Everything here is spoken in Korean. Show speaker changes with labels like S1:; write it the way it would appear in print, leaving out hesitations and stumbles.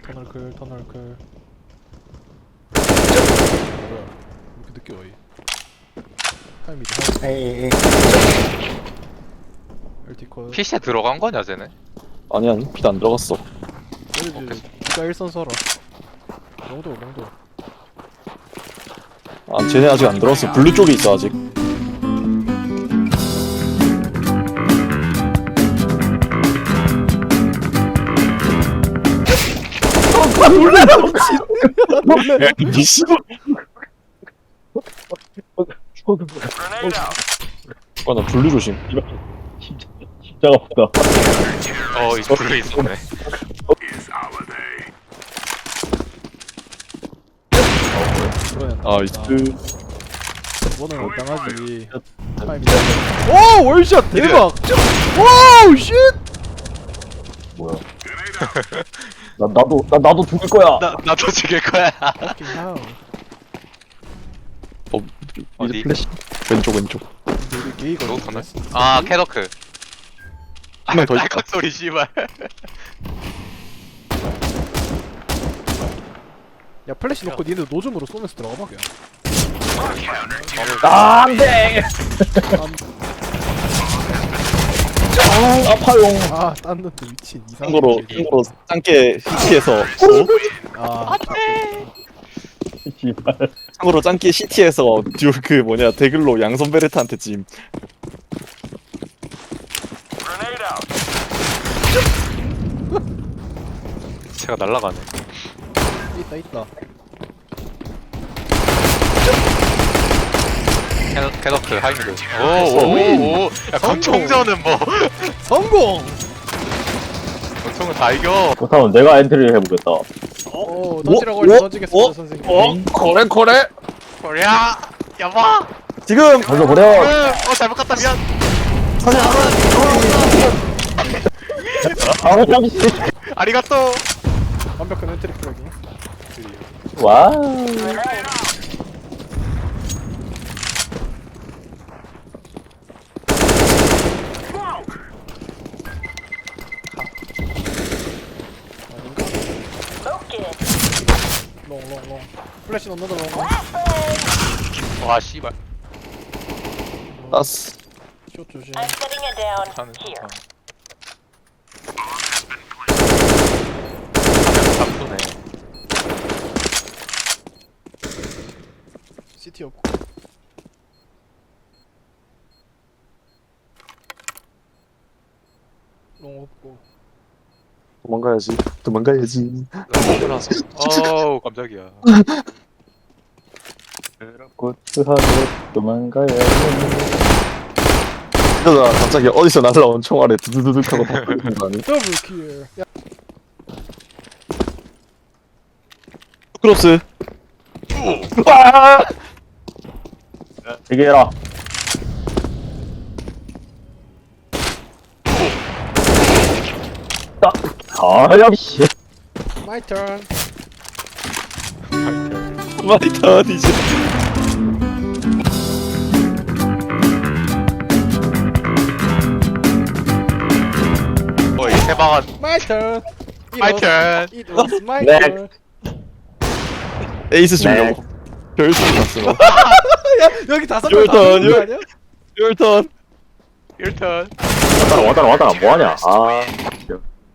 S1: 터널클. 뭐야? 이렇게 늦게 와이. 하이미드.
S2: 에이.
S1: 엘티컷.
S3: PC에 들어간 거냐 쟤네?
S2: 아니야, 빛 안 들어갔어.
S1: 내리지. 니가 1선 서라. 롱도.
S2: 아, 쟤네 아직 안 들어갔어. 블루 쪽에 있어 아직.
S1: 놀래라 미친.
S2: 미씨. 나 블루 조심.
S4: 진짜 아프다.
S3: 이 블루 있었네.
S2: 아, 이스.
S1: 뭐는 당하지. 하이미드. 오 월샷 대박. 와우 쉣.
S4: 뭐야? 나도 죽을 거야.
S3: 나도 죽일 거야.
S1: Fucking hell.
S3: 어디?
S2: 플래시. 왼쪽.
S1: 근데 우리 게이거든.
S3: 로우 터널? 아 캐더크.
S2: 한 명 더 있다.
S3: 딸깍 소리 씨발.
S1: 야 플래시 놓고 니네 노즘으로 쏘면서 들어가봐 그냥.
S4: 안돼. 아파용.
S1: 아 땄는데 미친 이상한.
S2: 참고로 짱깨 CT에서
S1: 아
S4: 씨발.
S2: 참고로 짱깨 CT에서 그 뭐냐 데글로 양손 베르트한테 찜.
S3: 제가 날라가네.
S1: 있다.
S3: 캐더크 하이미드. 오오오. 야 권총전은 뭐?
S1: 성공.
S3: 권총은 다 이겨.
S4: 그렇다면 내가 엔트리를 해보겠다.
S1: 던지라고 할때 던지겠습니다 선생님.
S2: 코레
S3: 코리아 여보.
S2: 지금
S4: 던져버려.
S3: 잘못 갔다 미안.
S4: 아, 잠시.
S3: 아리가또.
S1: 완벽한 엔트리 플러깅.
S4: 와.
S1: 롱. 플래시 넣는다 롱.
S3: 와 씨발.
S2: 따스.
S1: 숏 조심.
S5: I'm setting it down
S3: 차는
S5: here.
S3: 잡수네.
S1: CT 없고. 롱 없고.
S2: 도망가야지.
S3: 어우 깜짝이야.
S4: 고트하게 도망가야.
S2: 그러다 갑자기 어디서 날라온 총알에 두두두둑 하고 다 걸리는 거 아니?
S1: 더블 킬. 야
S2: 크로스.
S4: 되게 해라. 역시.
S1: 마이 턴.
S2: 마이 턴이지.
S3: 이 세방한.
S1: 마이 턴.
S3: 마이 턴.
S1: It was my
S4: 네.
S1: turn.
S2: 에이스 주려고. 별수 났어.
S1: 야 여기 다섯
S2: Your
S1: 명다
S2: turn,
S1: 거 아니야?
S2: 율턴.
S3: 1턴.
S4: 와따라 뭐하냐. 아.